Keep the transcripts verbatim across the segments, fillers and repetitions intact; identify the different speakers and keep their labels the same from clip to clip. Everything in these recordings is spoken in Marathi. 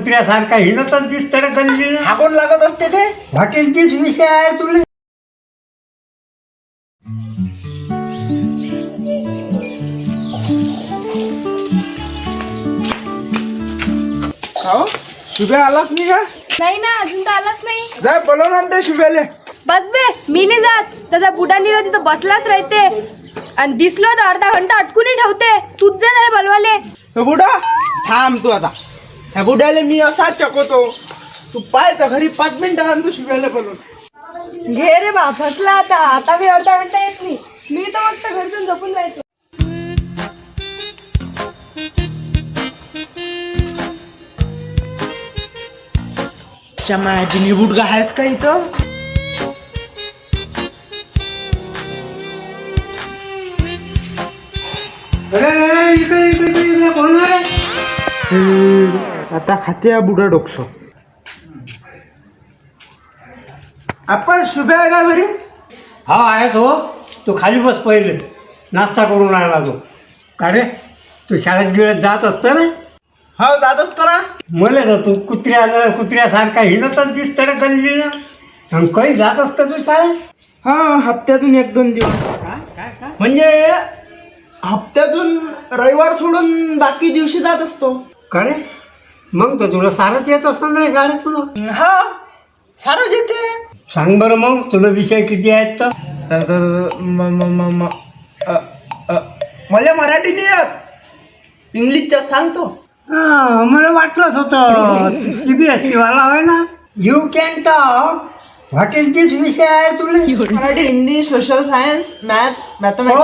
Speaker 1: कुत्र्यासारखा हिंडतच दिसतं रे गल्लीला.
Speaker 2: हाकून लागत असते ते.
Speaker 1: व्हॉट इज दिस विषय आहे तुला?
Speaker 2: हो शुभ्या आलाच नाही का?
Speaker 3: नाही ना, अजून तर आलाच नाही.
Speaker 2: जा बोलव ना ते शुभ्याले.
Speaker 3: बस बे, मी नाही जात. त्याचा बुडा निरा तिथं बसलाच राहते आणि दिसलो तर अर्धा घंटा अटकूनही ठेवते. तूच जा त्याला बोलवाले.
Speaker 2: हे बुडा थांब तू आता. ह्या बुड्याले मी असाच चकवतो. तू पाय तर घरी पाच मिनिटात आणि तू शुभ्याला बोलव.
Speaker 3: घे रे बा, फसला आता. आता मी अर्धा घंटा येत नाही. मी तर फक्त घरसून झोपून राहतो.
Speaker 2: चमाजी बुडगा आहेस का इथं?
Speaker 1: अरे अरे, इकडे इकडे इकडे इकडे, कोण आहे?
Speaker 2: आता खाते बुडा डोकसो. आपण शुभ्या आहे का घरी?
Speaker 1: हा आहे तो. तू खाली बस पहिले. नाश्ता करून राहिला तो. का रे, तू शाळेत गिळत जात असतं रे?
Speaker 2: हो जात असतो ना.
Speaker 1: मला तर तू कुत्र्याला कुत्र्यासारखा हिंडतच दिसतं रे गल्लीला. आणि काही जात असतं तू शाळेत?
Speaker 2: हा हप्त्यातून एक दोन दिवस.
Speaker 1: काय काय काय
Speaker 2: म्हणजे हप्त्यातून रविवार सोडून बाकी दिवशी जात असतो.
Speaker 1: का रे, मग तर तुला सारंच येत असतं रे शाळेत तुला.
Speaker 2: हा सारं येते.
Speaker 1: सांग बरं मग, तुला विषय किती आहेत तर?
Speaker 2: मला मराठी नाही येत. इंग्लिशच्या सांगतो.
Speaker 1: हा, मला वाटलंच होतं सी बी एस सी वाला आहे ना. You can talk. What is this विषय आहे तुला?
Speaker 2: Marathi, Hindi, social science, maths,
Speaker 1: हो,
Speaker 2: मॅथमॅटिक्स.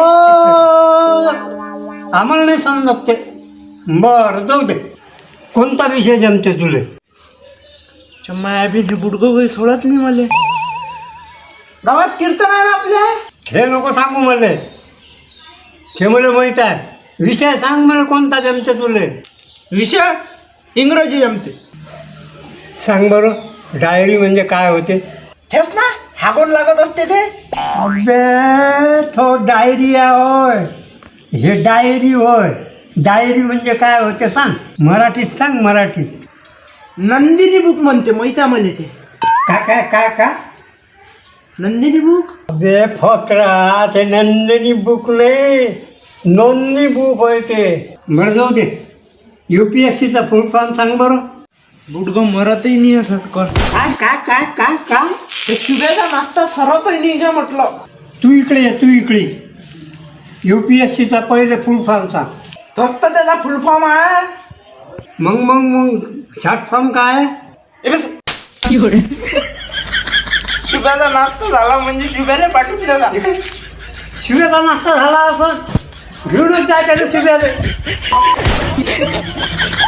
Speaker 1: आम्हाला नाही समजत ते. बरं जाऊ दे. कोणता विषय जमते तुले?
Speaker 2: चम्मा बी बुडगो काही सोडत नाही मला. गावात कीर्तन आहे ना आपल्या.
Speaker 1: हे नको सांगू मला. हे मला माहीत आहे. विषय सांग मला, कोणता जमते तुले?
Speaker 2: विषय इंग्रजी जमते.
Speaker 1: सांग बरं, डायरी म्हणजे काय होते?
Speaker 2: तेच ना, हागून लागत असते ते.
Speaker 1: अबे तो डायरी होय. हे डायरी होय. डायरी म्हणजे काय होते सांग. मराठीत सांग, मराठीत.
Speaker 2: नंदिनी बुक म्हणते, माहिती आहे मला ते.
Speaker 1: काय काय काय काय
Speaker 2: नंदिनी बुक.
Speaker 1: अबे फकरा, ते नंदिनी बुक नाही, नोंदणी बुक होय ते. बरं जाऊ दे. यू पी एस सीचा फुल फॉर्म सांग बरं.
Speaker 2: बुडगो मरतही नाही असं कर.
Speaker 1: काय काय काय काय काय
Speaker 2: ते शुभ्याचा नाश्ता सरवतही नाही का म्हटलं.
Speaker 1: तू इकडे ये, तू इकडे. यू पी एस सीचा पहिले फुल फॉर्म सांग.
Speaker 2: तोच तर त्याचा फुल फॉर्म आहे.
Speaker 1: मग मग मग शॉर्ट फॉर्म काय?
Speaker 2: ए बस. शुभ्याचा नाश्ता झाला म्हणजे शुभ्याला पाठवून द्याला.
Speaker 1: शिव्याचा नाश्ता झाला असं घेऊनच जाय त्याला शिव्याला.